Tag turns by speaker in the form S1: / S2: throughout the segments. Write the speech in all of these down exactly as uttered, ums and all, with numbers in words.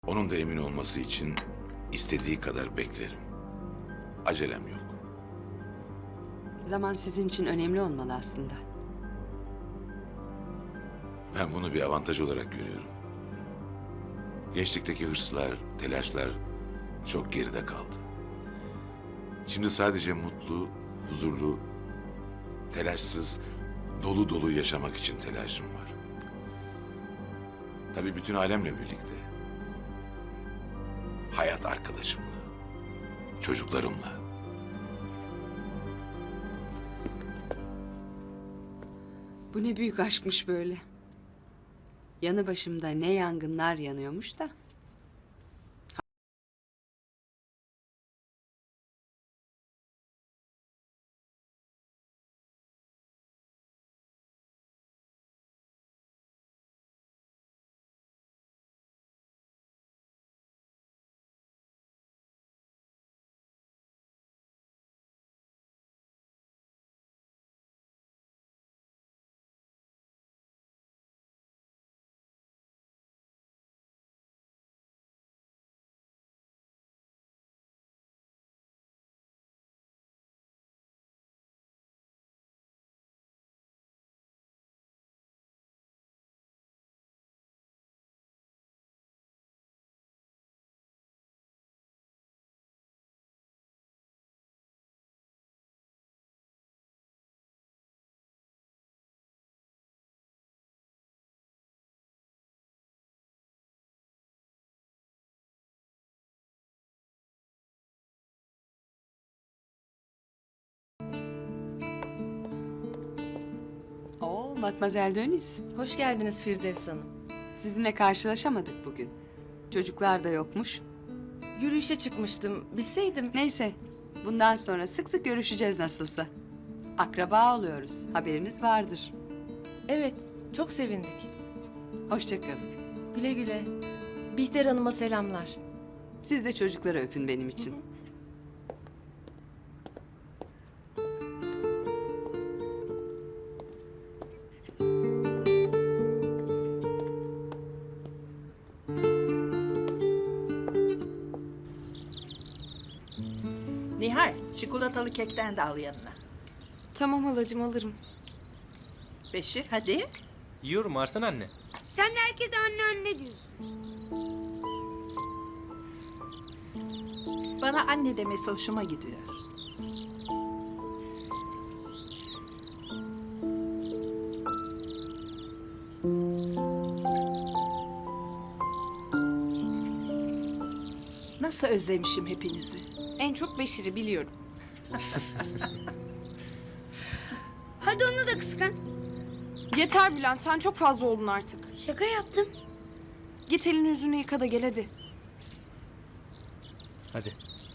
S1: Onun da emin olması için istediği kadar beklerim. Acelem yok.
S2: Zaman sizin için önemli olmalı aslında.
S1: Ben bunu bir avantaj olarak görüyorum. Gençlikteki hırslar, telaşlar çok geride kaldı. Şimdi sadece mutlu, huzurlu, telaşsız, dolu dolu yaşamak için telaşım var. Tabii bütün alemle birlikte. Hayat arkadaşımla, çocuklarımla.
S2: Bu ne büyük aşkmış böyle. Yanı başımda ne yangınlar yanıyormuş da. Oo, Matmazel Döniz.
S3: Hoş geldiniz Firdevs Hanım.
S2: Sizinle karşılaşamadık bugün. Çocuklar da yokmuş.
S3: Yürüyüşe çıkmıştım. Bilseydim.
S2: Neyse, bundan sonra sık sık görüşeceğiz nasılsa. Akraba oluyoruz, haberiniz vardır.
S3: Evet, çok sevindik.
S2: Hoşça kalın.
S3: Güle güle. Bihter Hanım'a selamlar.
S2: Siz de çocukları öpün benim için.
S4: Nihal, çikolatalı kekten de al yanına.
S5: Tamam halacığım alırım.
S4: Beşir, hadi.
S6: Yiyorum Arslan anne.
S7: Sen de herkese anne anne diyorsun.
S4: Bana anne demesi hoşuma gidiyor. Nasıl özlemişim hepinizi.
S5: En çok Beşir'i biliyorum.
S7: Hadi onu da kıskan.
S5: Yeter Bülent sen çok fazla oldun artık.
S7: Şaka yaptım.
S5: Git elini yüzünü yıka da gel hadi.
S6: Hadi.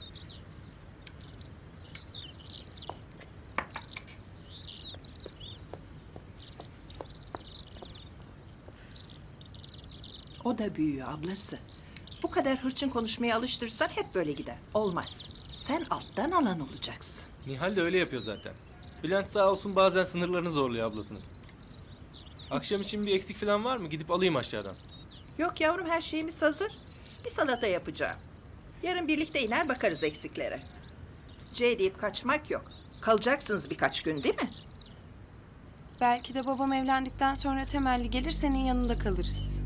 S4: O da büyüyor ablası. Bu kadar hırçın konuşmaya alıştırırsan hep böyle gider. Olmaz. Sen alttan alan olacaksın.
S6: Nihal de öyle yapıyor zaten. Bülent sağ olsun bazen sınırlarını zorluyor ablasının. Akşam için bir eksik falan var mı? Gidip alayım aşağıdan.
S4: Yok yavrum, her şeyimiz hazır. Bir salata yapacağım. Yarın birlikte iner bakarız eksiklere. C deyip kaçmak yok. Kalacaksınız birkaç gün değil mi?
S5: Belki de babam evlendikten sonra temelli gelir senin yanında kalırız.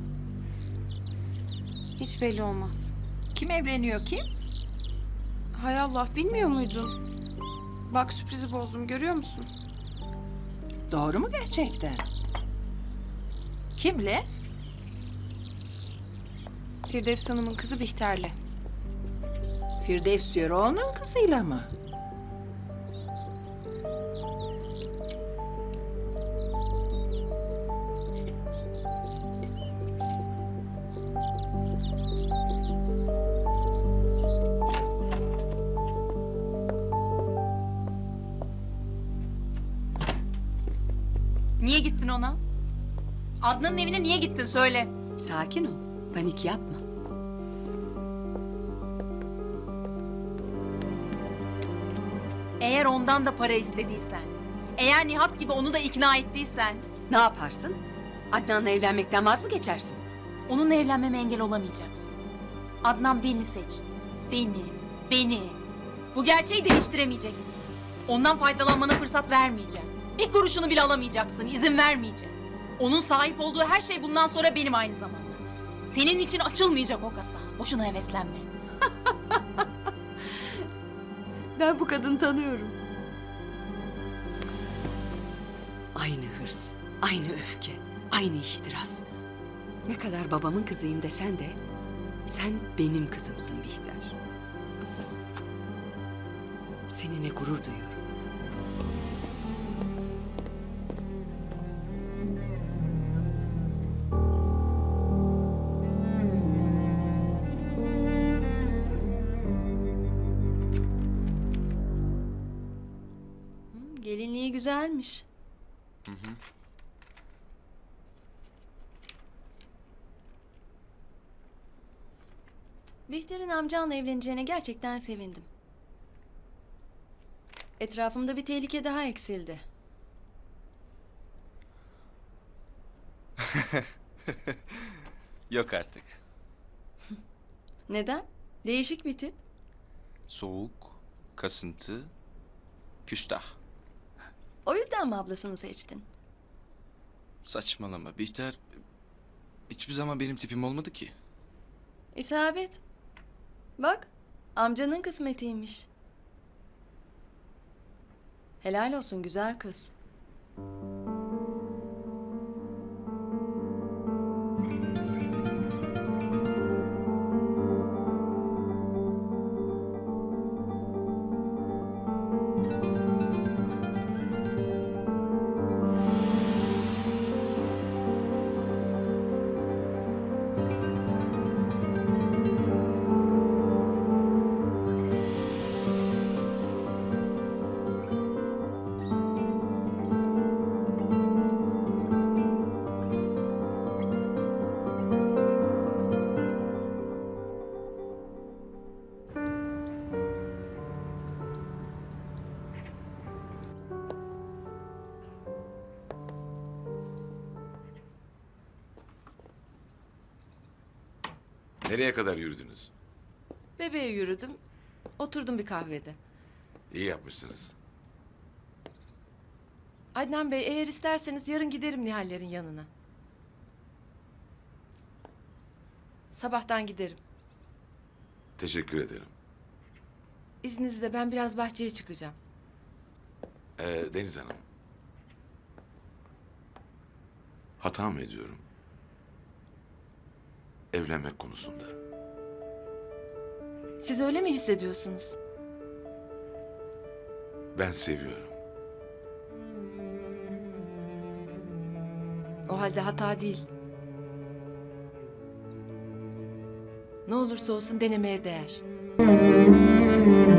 S5: Hiç belli olmaz.
S4: Kim evleniyor kim?
S5: Hay Allah bilmiyor muydun? Bak sürprizi bozdum görüyor musun?
S4: Doğru mu gerçekten? Kimle?
S5: Firdevs Hanım'ın kızı Bihter'le.
S4: Firdevs Yoroğlu'nun kızıyla mı?
S8: Niye gittin ona? Adnan'ın evine niye gittin söyle.
S2: Sakin ol, panik yapma.
S8: Eğer ondan da para istediysen, eğer Nihat gibi onu da ikna ettiysen...
S2: Ne yaparsın? Adnan'la evlenmekten vaz mı geçersin?
S8: Onunla evlenmeme engel olamayacaksın. Adnan beni seçti. Beni, beni. Bu gerçeği değiştiremeyeceksin. Ondan faydalanmana fırsat vermeyeceğim. Bir kuruşunu bile alamayacaksın, izin vermeyeceğim. Onun sahip olduğu her şey bundan sonra benim aynı zamanda. Senin için açılmayacak o kasa. Boşuna heveslenme.
S2: Ben bu kadını tanıyorum. Aynı hırs, aynı öfke, aynı ihtiras. Ne kadar babamın kızıyım desen de sen benim kızımsın Bihter. Seninle gurur duyuyorum.
S3: Gelinliği güzelmiş. Bihter'in amcanla evleneceğine gerçekten sevindim. Etrafımda bir tehlike daha eksildi.
S9: Yok artık.
S3: Neden? Değişik bir tip.
S9: Soğuk, kasıntı, küstah.
S3: O yüzden mi ablasını seçtin?
S9: Saçmalama Bihter. Hiçbir zaman benim tipim olmadı ki.
S3: İsabet. Bak, amcanın kısmetiymiş. Helal olsun güzel kız.
S1: Nereye kadar yürüdünüz?
S3: Bebeğe yürüdüm. Oturdum bir kahvede.
S1: İyi yapmışsınız.
S3: Adnan Bey eğer isterseniz yarın giderim Nihallerin yanına. Sabahtan giderim.
S1: Teşekkür ederim.
S3: İzninizle ben biraz bahçeye çıkacağım.
S1: Ee, Deniz Hanım. Hata mı ediyorum? Evlenmek konusunda.
S3: Siz öyle mi hissediyorsunuz?
S1: Ben seviyorum.
S3: O halde hata değil. Ne olursa olsun denemeye değer.